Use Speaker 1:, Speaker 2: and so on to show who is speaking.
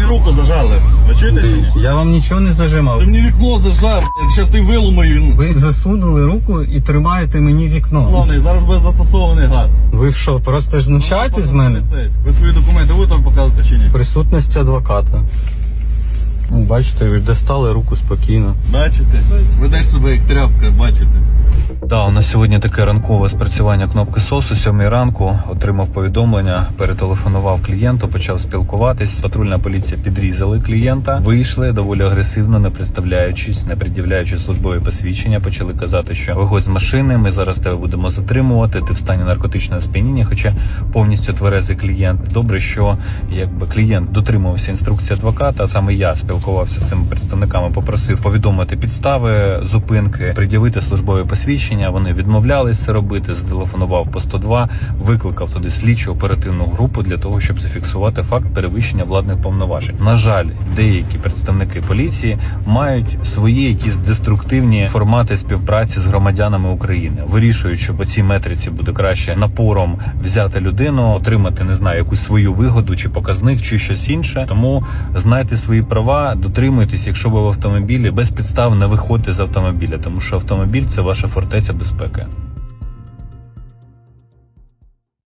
Speaker 1: руку зажали. Ви чуєте чи ні?
Speaker 2: Дивіться, я вам нічого не зажимав.
Speaker 1: Ти мені вікно зажав, зараз ти виломаю.
Speaker 2: Ви засунули руку і тримаєте мені вікно.
Speaker 1: Головне, зараз буде застосований газ.
Speaker 2: Ви що, просто знущаєтесь з мене?
Speaker 1: Ви свої документи будете вам показувати чи ні?
Speaker 2: Присутність адвоката. Бачите, ви достали руку спокійно.
Speaker 1: Бачите? Ведеш себе як тряпка, бачите?
Speaker 3: Да, у нас сьогодні таке ранкове спрацювання кнопки СОС. О 7 ранку отримав повідомлення, перетелефонував клієнту, почав спілкуватись. Патрульна поліція підрізали клієнта, вийшли доволі агресивно, не представляючись, не пред'являючи службові посвідчення. Почали казати, що виходь з машини, ми зараз тебе будемо затримувати, ти в стані наркотичного сп'яніння, хоча повністю тверезий клієнт. Добре, що якби клієнт дотримувався інструкції адвоката, а саме я спілкувався з цими представниками, попросив повідомити підстави зупинки, пред'явити службові посвідчення. Вони відмовлялись це робити, зателефонував по 102, викликав туди слідчу оперативну групу для того, щоб зафіксувати факт перевищення владних повноважень. На жаль, деякі представники поліції мають свої якісь деструктивні формати співпраці з громадянами України. Вирішують, що по цій метриці буде краще напором взяти людину, отримати, не знаю, якусь свою вигоду чи показник, чи щось інше. Тому знайте свої права, дотримуйтесь, якщо ви в автомобілі, без підстав не виходьте з автомобіля, тому що автомобіль – це ваша фортеця безпеки.